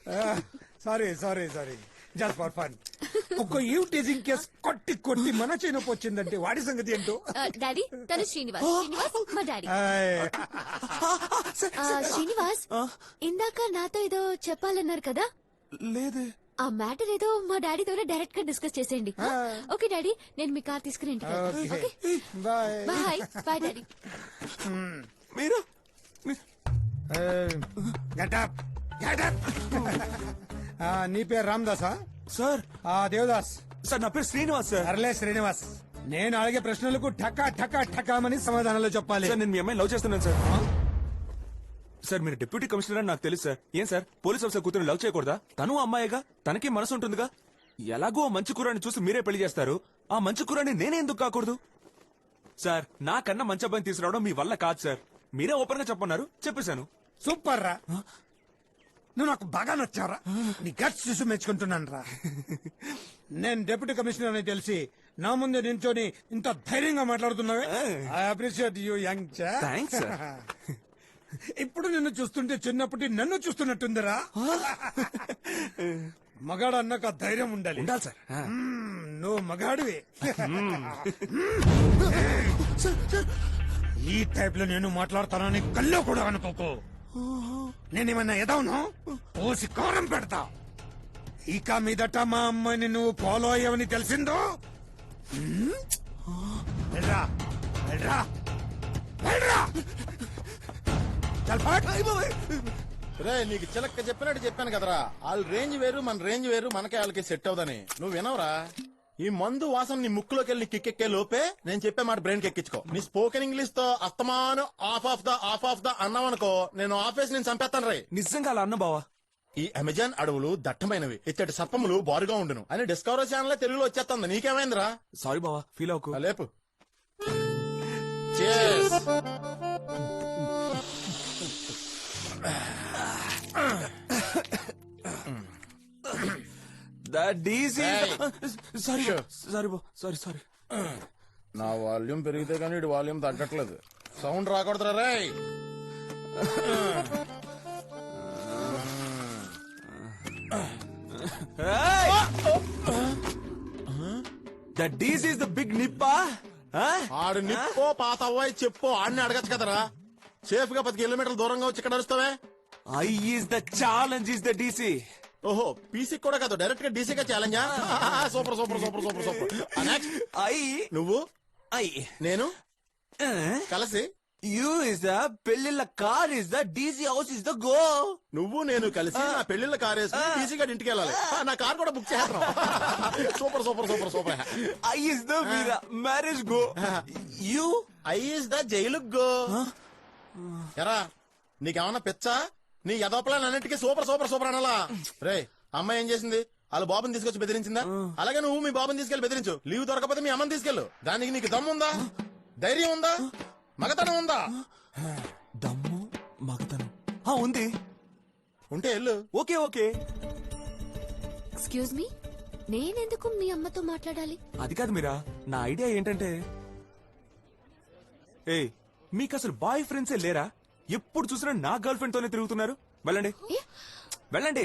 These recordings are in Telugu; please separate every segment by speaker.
Speaker 1: Sorry sorry sorry, just for fun. ఒక ఈవ్ టీజింగ్ కేస్ కొట్టి కొట్టి మన చేయనొప్పి వచ్చిందంటే వాడి సంగతి ఏంటో.
Speaker 2: డాడీ తను శ్రీనివాస్. శ్రీనివాస్ మా డాడీ. శ్రీనివాస్ ఇందాక నాతో ఏదో చెప్పాలన్నారు కదా.
Speaker 3: లేదే.
Speaker 2: ఆ మ్యాటర్ ఏదో మా డాడీతోనే డైరెక్ట్ గా డిస్కస్ చేసేయండి. ఓకే డాడీ, నేను మీ కార్ తీసుకుని
Speaker 1: బాయ్
Speaker 2: బాయ్. Bye daddy.
Speaker 3: మీరు
Speaker 1: గెటప్ గెటప్. నీ పేరు రామదాసా?
Speaker 3: సార్.
Speaker 1: దేవదాస్.
Speaker 3: సార్ నా పేరు శ్రీనివాస్ సార్.
Speaker 1: అర్లే శ్రీనివాస్, నేను అడిగే ప్రశ్నలకు ఠకా ఠకా ఠకామని సమాధానాలు చెప్పాలి.
Speaker 3: సార్ నేను మీ అమ్మాయిని లవ్ చేస్తున్నాను సార్. సార్ మీరు డిప్యూటీ కమిషనర్ అని నాకు తెలుసు సార్. ఏం సార్ పోలీస్ ఆఫీసర్ కూతురు లవ్ చేయకూడదా? తను అమ్మాయిగా, తనకి మనసు ఉంటుందిగా. ఎలాగో మంచి కూరని చూసి మీరే పెళ్లి చేస్తారు, ఆ మంచి కూరని నేనే ఎందుకు కాకూడదు? సార్ నాకన్నా మంచి అబ్బాయిని తీసుకురావడం మీ వల్ల కాదు సార్. మీరే ఓపెన్ గా చెప్పన్నారు, చెప్పేశాను.
Speaker 1: సూపర్ రా, నువ్వు నాకు బాగా నచ్చావురా. నీ గట్స్ చూసి మెచ్చుకుంటున్నాను రా. నేను డిప్యూటీ కమిషనర్ అని తెలిసి నా ముందు నించొని ఇంత ధైర్యంగా మాట్లాడుతున్నావే. ఐ అప్రిషియేట్ యూ యంగ్ చా.
Speaker 3: Thanks sir.
Speaker 1: ఇప్పుడు నిన్ను చూస్తుంటే చిన్నప్పటి నన్ను చూస్తున్నట్టుందిరా. మగాడు అన్నాక ధైర్యం ఉండాలి.
Speaker 3: ఉండాలి సార్.
Speaker 1: నువ్వు మగాడివి. ఈ టైప్ లో నేను మాట్లాడతానని కల్లో కూడా అనుకోకు. నేనేమన్నా ఎదవను పోసి కారం పెడతా. ఇక మీదట మా అమ్మాయిని నువ్వు ఫాలో అయ్యావని తెలిసిందో వెళ్ళరా వెళ్ళరా వెళ్ళరా.
Speaker 4: రే నీకు చిలక్క చెప్పినట్టు చెప్పాను కదరా, వాళ్ళ రేంజ్ వేరు మన రేంజ్ వేరు, మనకే వాళ్ళకి సెట్ అవుదని. నువ్వు వినవరా? ఈ మందు వాసన నీ ముక్కులోకి వెళ్ళి కిక్కెక్కే లోపే నేను చెప్పే మాట బ్రెయిన్ ఎక్కించుకో. నీ స్పోకెన్ ఇంగ్లీష్ తో అస్తమాను ఆఫ్ ఆఫ్ ద అన్నావనుకో, నేను ఆఫీస్ నేను చంపేస్తాను రే.
Speaker 3: నిజంగా అలా అన్న బావా.
Speaker 4: ఈ అమెజాన్ అడవులు దట్టమైనవి, ఇచ్చటి సర్పములు బారుగా ఉండును అని డిస్కవరీ ఛానల్ తెలుగులో వచ్చేస్తుంది. నీకేమైందిరా?
Speaker 3: సారీ బావా, ఫీల్ అవ్వకు.
Speaker 4: లేపు. Cheers.
Speaker 3: సారీ సారీ బా, సారీ సారీ.
Speaker 4: నా వాల్యూమ్ పెరిగితే కానీ ఇటు వాల్యూమ్ తగ్గట్లేదు. సౌండ్ రాకూడదురా రే.
Speaker 3: That DC is the big nippa.
Speaker 4: ఆడు నిప్పో పాత అవ్వాయి చెప్పో ఆడిని అడగచ్చు కదరా. సేఫ్ గా 10 కిలోమీటర్ల దూరంగా వచ్చి ఇక్కడ అరుస్తావే.
Speaker 3: I is the challenge is the DC.
Speaker 4: ఓహో పీసీ కూడా కాదు, డైరెక్ట్ గా డీసీగా ఛాలెంజా? Super super super super super. నువ్వు
Speaker 3: I
Speaker 4: నేను కలిసి
Speaker 3: you is the పెళ్లిళ్ళ car is the DC house is the go.
Speaker 4: నువ్వు నేను కలిసి నా పెళ్లిళ్ళ కార్ వేసుకుని డీసీ గారి ఇంటికి వెళ్ళాలి. నా కార్ కూడా బుక్ చేస్తాం. Super super super super.
Speaker 3: I is the marriage go. You
Speaker 4: I is the jail go. ఎరా నీకేమన్నా పిచ్చా? నీ యదోపలాన్ అన్నిటికీ సూపర్ సూపర్ సూపర్ అనాలా? రే అమ్మాయి ఏం చేసింది? వాళ్ళ బాబుని తీసుకొచ్చి బెదిరించిందా? అలాగే నువ్వు మీ బాబుని తీసుకెళ్లి బెదిరించు. లీవ్ దొరకపోతే మీ అమ్మని తీసుకెళ్ళు. దానికి నీకు దమ్ము ఉందా? ధైర్యం ఉందా? మగతనం ఉందా?
Speaker 3: దమ్ము మగతనం ఉంది.
Speaker 4: ఉంటే వెళ్ళు.
Speaker 3: Okay okay.
Speaker 2: ఎక్స్క్యూజ్ మీ, నేనెందుకు మీ అమ్మతో మాట్లాడాలి?
Speaker 3: అది కాదు మీరా, నా ఐడియా ఏంటంటే, మీకు అసలు బాయ్ ఫ్రెండ్సే లేరా? ఎప్పుడు చూసినా నా గర్ల్ ఫ్రెండ్ తోనే తిరుగుతున్నారు. వెళ్ళండి వెళ్ళండి.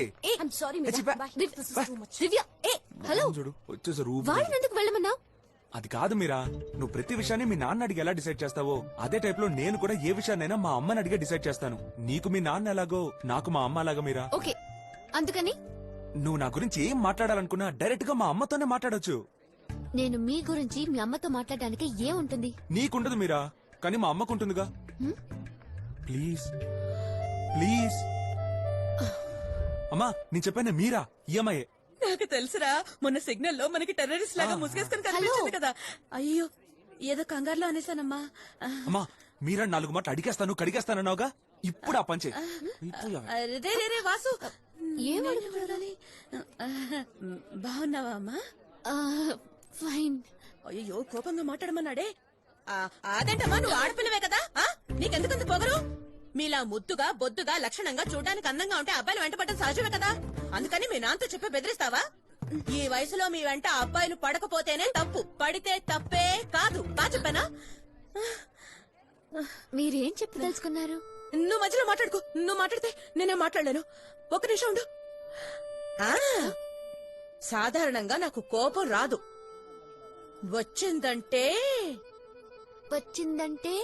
Speaker 2: హలో
Speaker 3: చూడు వచ్చేసారు.
Speaker 2: వాళ్ళని ఎందుకు వెళ్ళమన్నావు?
Speaker 3: అది కాదు మీరా, నువ్వు ప్రతి విషయాన్ని మీ నాన్న అడిగి ఎలా డిసైడ్ చేస్తావో అదే టైప్ లో నేను కూడా ఏ విషయాన్నైనా మా అమ్మని అడిగే డిసైడ్ చేస్తాను. నీకు మీ నాన్న ఎలాగో నాకు మా అమ్మ అలాగా మీరా.
Speaker 2: ఓకే, అందుకని
Speaker 3: నువ్వు నా గురించి ఏం మాట్లాడాలనుకున్నా డైరెక్ట్ గా మా అమ్మతోనే మాట్లాడొచ్చు.
Speaker 2: నేను మీ గురించి మీ అమ్మతో మాట్లాడడానికి ఏముంటుంది?
Speaker 3: నీకుండదు మీరా, కానీ మా అమ్మకుంటుందిగా. Please please. అమ్మా నేను చెప్పాను మీరా ఈ అమ్మాయే.
Speaker 5: నాకు తెలుసురా, మొన్న సిగ్నల్ లో మనకి టెర్రరిస్ట్ లాగా ముసుగేసుకుని కనిపించింది కదా. అయ్యో ఏదో కంగారులో అనేసానమ్మా.
Speaker 3: అమ్మా మీరా 4 మాటలు అడిగేస్తాను కడిగేస్తానన్నావుగా, ఇప్పుడు ఆ పంచే.
Speaker 5: రే వాసు,
Speaker 2: ఏమడగాలి?
Speaker 5: బాగున్నావా అమ్మా?
Speaker 2: ఫైన్.
Speaker 5: అయ్యో కోపంగా మాట్లాడమన్నాడే. అదేంటమ్మా, నువ్వు ఆడపిల్లవే కదా, నీకెందుకంత పొగరు? మీలా ముద్దుగా బొద్దుగా లక్షణంగా చూడడానికి అందంగా ఉంటే అబ్బాయిలు వెంట పడడం సహజమే కదా. అందుకని మీ నాన్నతో చెప్పి బెదిరిస్తావా? ఈ వయసులో మీ వెంట అబ్బాయిలు పడకపోతేనే తప్పు, పడితే తప్పే కాదు. బా చెప్పానా?
Speaker 2: మీరేం చెప్పి తెలుసుకున్నారు?
Speaker 5: నువ్వు మధ్యలో మాట్లాడుకో. నువ్వు మాట్లాడితే నేనే మాట్లాడలేను. 1 నిమిషం ఉండు. ఆ, సాధారణంగా నాకు కోపం రాదు, వచ్చిందంటే
Speaker 2: వచ్చిందంటే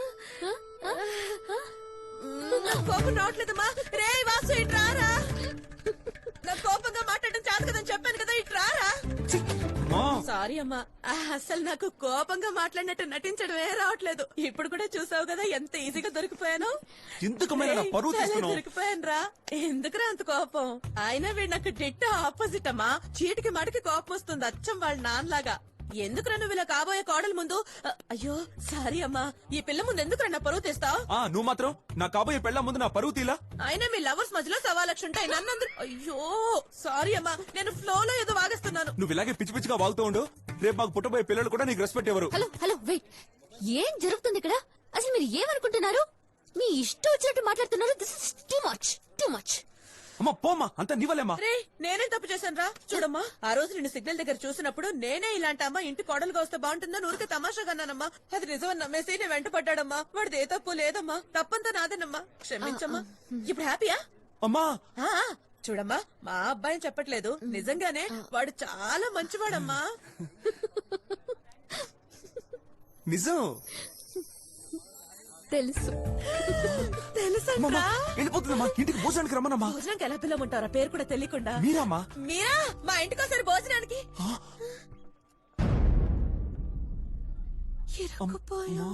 Speaker 5: నాకు కోపం రావట్లేదమ్మా. రే వాసు, ఇటు రారా. నాకు కోపంగా మాట్లాడడం చాలు కదని చెప్పాను కదా, ఇటు రారా.
Speaker 3: అమ్మా
Speaker 5: సారీ అమ్మా, అసలు నాకు కోపంగా మాట్లాడినట్టు నటించడమే రావట్లేదు. ఇప్పుడు కూడా చూసావు కదా ఎంత ఈజీగా దొరికిపోయాను.
Speaker 3: ఎందుకమైనా నా పరువు తీస్తున్నావు?
Speaker 5: దొరికిపోయాను రా. ఎందుకురా అంత కోపం? అయినా వీడు నాకు డిట్ట ఆపోజిట్ అమ్మా. చీటికి మడికి కోపం వస్తుంది, అచ్చం వాళ్ళ నాన్నలాగా. ఎందుకురా నువ్వు ఇలా కాబోయే కోడల ముందు అయ్యో సారీ అమ్మా, ఈ పిల్ల ముందు ఎందుకురా నా పరువు తీస్తావు?
Speaker 3: నువ్వు మాత్రం నా కాబోయే పెళ్ళ ముందు నా పరువు తీలా.
Speaker 5: అయినా మీ లవర్స్ మధ్యలో సవాలక్ష ఉంటాయి, నన్ను అయ్యో సారీ అమ్మా, నేను ఫ్లో లో ఏదో వాగేస్తున్నాను.
Speaker 3: నువ్వు ఇలాగే పిచ్చి పిచ్చిగా వాగుతూ ఉండు. రేపు మాకు పుట్టబోయే పిల్లలు కూడా నీకు రెస్పెక్ట్ ఎవరు?
Speaker 2: హలో హలో వెయిట్, ఏం జరుగుతుంది ఇక్కడ? అసలు మీరు ఏమనుకుంటున్నారు? మీ ఇష్టం వచ్చినట్టు మాట్లాడుతున్నారు. This is too much, too much.
Speaker 3: అమ్మా పోమ్మా, అంతా నీవలేమ్మా.
Speaker 5: రే నేనేం తప్పు చేశాను రా? చూడమ్మా, ఆ రోజు నిన్ను సిగ్నల్ దగ్గర చూసినప్పుడు నేనే ఇలాంటి అమ్మ ఇంటి కోడలుగా వస్తే బాగుంటుందని ఊరికే తమాషాగా అన్నానమ్మా. అది నిజమని నమ్మేసి నేను వెంట పడ్డాడమ్మా. వాడిది ఏ తప్పు లేదమ్మా, తప్పంతా నాదేనమ్మా, క్షమించమ్మా. ఇప్పుడు హ్యాపీయా?
Speaker 3: అమ్మా
Speaker 5: ఆ, చూడమ్మా, మా అబ్బాయిని చెప్పట్లేదు, నిజంగానే వాడు చాలా మంచివాడమ్మా.
Speaker 3: నిజం
Speaker 2: తెలుసు.
Speaker 5: తెలుసా?
Speaker 3: వెళ్ళిపోతుందమ్మా, ఇంటికి భోజనానికి రమ్మనమ్మా.
Speaker 5: భోజనానికి ఎలా పిల్లమంటారా పేరు కూడా తెలియకుండా?
Speaker 3: మీరమ్మా
Speaker 5: మీరా మా ఇంటికి ఒకసారి భోజనానికి. ఇరుక్కుపోయాం.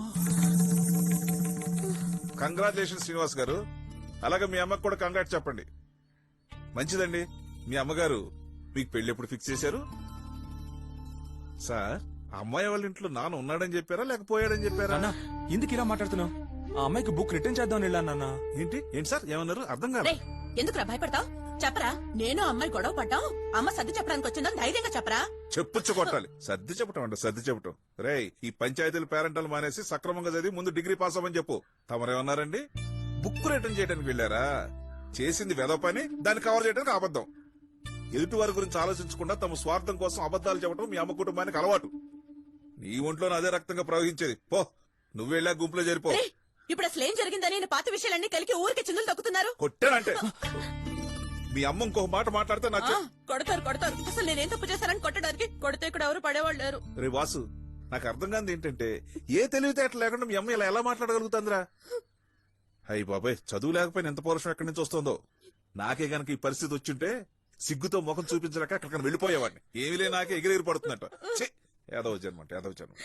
Speaker 6: కంగ్రాచులేషన్ శ్రీనివాస్ గారు. అలాగే మీ అమ్మకు కూడా కంగ్రాట్ చెప్పండి. మంచిదండి. మీ అమ్మగారు మీకు పెళ్లి ఎప్పుడు ఫిక్స్ చేశారు? సార్, అమ్మాయి వాళ్ళ ఇంట్లో నాన్న ఉన్నాడని చెప్పారా లేకపోయాడని చెప్పారా?
Speaker 3: అన్నా ఎందుకు ఇలా మాట్లాడుతున్నావు? ఆ అమ్మాయికి బుక్ రిటర్న్ చేద్దాం వెళ్ళాను నాన్న.
Speaker 6: ఏంటి ఏంటి సార్ ఏమన్నారు? అర్థం కాదు.
Speaker 5: రేయ్, ఎందుకురా భయపడతావు? చెప్పరా, నేను అమ్మాయి గొడవ పడ్డాం, అమ్మ సర్ది చెప్పడానికి వచ్చిందని ధైర్యంగా చెప్పరా.
Speaker 6: చెప్పుచ్చు కొట్టాలి. సర్ది చెప్పటం అంట, సర్ది చెప్పటం. రేయ్, ఈ పంచాయతీల పేరెంటల్ మానేసి సక్రమంగా చదివి ముందు డిగ్రీ పాస్ అవ్వని చెప్పు. తమరేమన్నారండి? బుక్ రిటర్న్ చేయడానికి వెళ్ళారా? చేసింది వెద పని, దాన్ని కవర్ చేయడానికి అబద్ధం. ఎదుటి వారి గురించి ఆలోచించకుండా తమ స్వార్థం కోసం అబద్దాలు చెప్పడం మీ అమ్మ కుటుంబానికి అలవాటు. నీ ఒంట్లో అదే రక్తంగా ప్రవహించేది. పో, నువ్వు వెళ్ళా గుంపులో చేరిపో.
Speaker 5: రేయ్, ఇప్పుడు అసలు ఏం జరిగిందని నేను పాత విషయాలన్నీ కలికి ఊరికి చిందులు తొక్కుతున్నారు.
Speaker 6: కొట్టానంటే మీ అమ్మ ఇంకొక మాట మాట్లాడితే నాకు
Speaker 5: కొడతారు కొడతారు. అసలు నేనేం తప్పు చేశానని కొట్టడానికి? కొడితే ఇక్కడ ఎవరు పడేవాళ్ళు లేరు.
Speaker 6: రే వాసు, నాకు అర్థం కాదు ఏంటంటే ఏ తెలివితేటలు లేకుండా మీ అమ్మ ఇలా ఎలా మాట్లాడగలుగుతుందిరా? అయ్యి బాబాయ్, చదువు లేకపోయినా ఎంత పౌరుషం ఎక్కడి నుంచి వస్తుందో. నాకే గనక ఈ పరిస్థితి వచ్చింటే సిగ్గుతో ముఖం చూపించలేక అక్కడికి వెళ్ళిపోయేవాడిని. ఏమీ లే, నాకే ఎగిరెగిరి పడుతుందట. ఏదో జన్మ అంటే ఏదో జన్మ.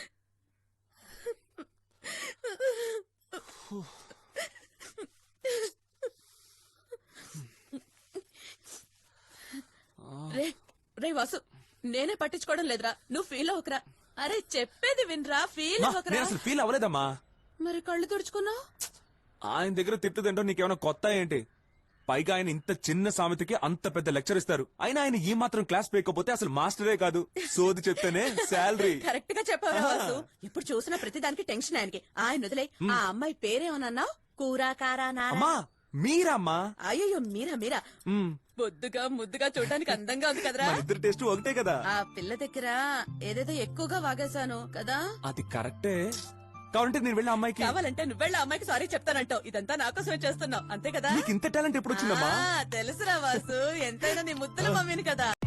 Speaker 5: రే రే వాసు, నేనే పట్టించుకోవడం లేదురా, నువ్వు ఫీల్ అవ్వకరా. అరే చెప్పేది వినరా, ఫీల్ అవ్వకరా.
Speaker 3: నేను అసలు ఫీల్ అవ్వలేదమ్మా.
Speaker 5: మరి కళ్ళు తుడుచుకున్నావు?
Speaker 3: ఆయన దగ్గర తిట్టు తింటాం నీకేమైనా కొత్త ఏంటి? పైగా ఆయన ఇంత చిన్న సామెతకి అంత పెద్ద లెక్చర్ ఇస్తారు. అయినా ఆయన ఈ మాత్రం క్లాస్ పేయకపోతే అసలు మాస్టరే కాదు. సోది చెప్తేనే శాలరీ.
Speaker 5: కరెక్ట్ గా చెప్పావు వాసు. ఇప్పుడు చూసిన ప్రతిదానికి టెన్షన్ ఆయనకి. ఆయన వదిలే. ఆ అమ్మాయి పేరేమన్నావు? కూర కారా నారా?
Speaker 3: అమ్మా మీరమ్మా.
Speaker 5: అయ్యో మీరా మీరా.
Speaker 3: మ్,
Speaker 5: బొద్దుగా ముద్దుగా చూడడానికి అందంగా ఉంది కదరా.
Speaker 3: మన ఇద్దరు టేస్ట్ ఒకటే కదా.
Speaker 5: ఆ పిల్ల దగ్గర ఏదేదో ఎక్కువగా వాగేశాను కదా.
Speaker 3: అది కరెక్టే. కావాలంటే నేను వెళ్ళి అమ్మాయికి
Speaker 5: కావాలంటే నువ్వెళ్ళ అమ్మాయికి సారీ చెప్తానంటావు. ఇదంతా నా కోసమే చేస్తున్నావు అంతే కదా.
Speaker 3: నీకు ఇంత టాలెంట్ ఎప్పుడు వచ్చిందమ్మా?
Speaker 5: తెలుసురా వాసు, ఎంతైనా నీ ముద్దుల మమ్మీని కదా.